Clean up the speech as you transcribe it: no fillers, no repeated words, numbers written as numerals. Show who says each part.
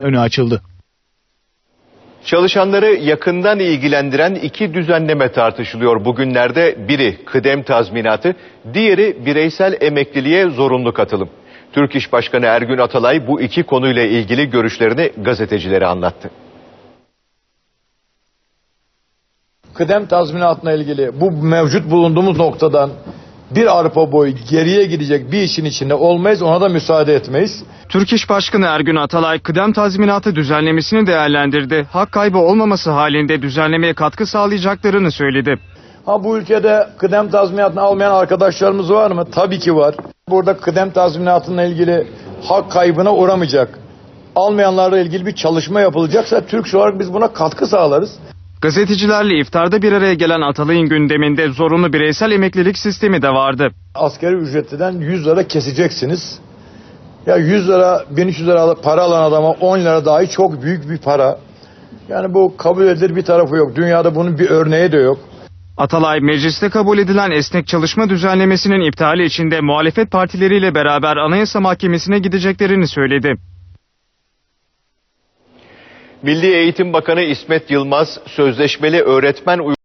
Speaker 1: önü açıldı.
Speaker 2: Çalışanları yakından ilgilendiren iki düzenleme tartışılıyor bugünlerde. Biri kıdem tazminatı, diğeri bireysel emekliliğe zorunlu katılım. Türk İş Başkanı Ergün Atalay bu iki konuyla ilgili görüşlerini gazetecilere anlattı.
Speaker 3: Kıdem tazminatına ilgili bu mevcut bulunduğumuz noktadan bir arpa boyu geriye gidecek bir işin içinde olmayız, ona da müsaade etmeyiz.
Speaker 4: Türk İş Başkanı Ergün Atalay kıdem tazminatı düzenlemesini değerlendirdi. Hak kaybı olmaması halinde düzenlemeye katkı sağlayacaklarını söyledi.
Speaker 3: Bu ülkede kıdem tazminatını almayan arkadaşlarımız var mı? Tabii ki var. Burada kıdem tazminatına ilgili hak kaybına uğramayacak. Almayanlarla ilgili bir çalışma yapılacaksa Türk olarak biz buna katkı sağlarız.
Speaker 4: Gazetecilerle iftarda bir araya gelen Atalay'ın gündeminde zorunlu bireysel emeklilik sistemi de vardı.
Speaker 3: Asgari ücretliden 100 lira keseceksiniz. Ya 100 lira, 1300 lira para alan adama 10 lira dahi çok büyük bir para. Yani bu kabul edilir bir tarafı yok. Dünyada bunun bir örneği de yok.
Speaker 4: Atalay, mecliste kabul edilen esnek çalışma düzenlemesinin iptali için de muhalefet partileriyle beraber Anayasa Mahkemesi'ne gideceklerini söyledi.
Speaker 2: Milli Eğitim Bakanı İsmet Yılmaz, sözleşmeli öğretmen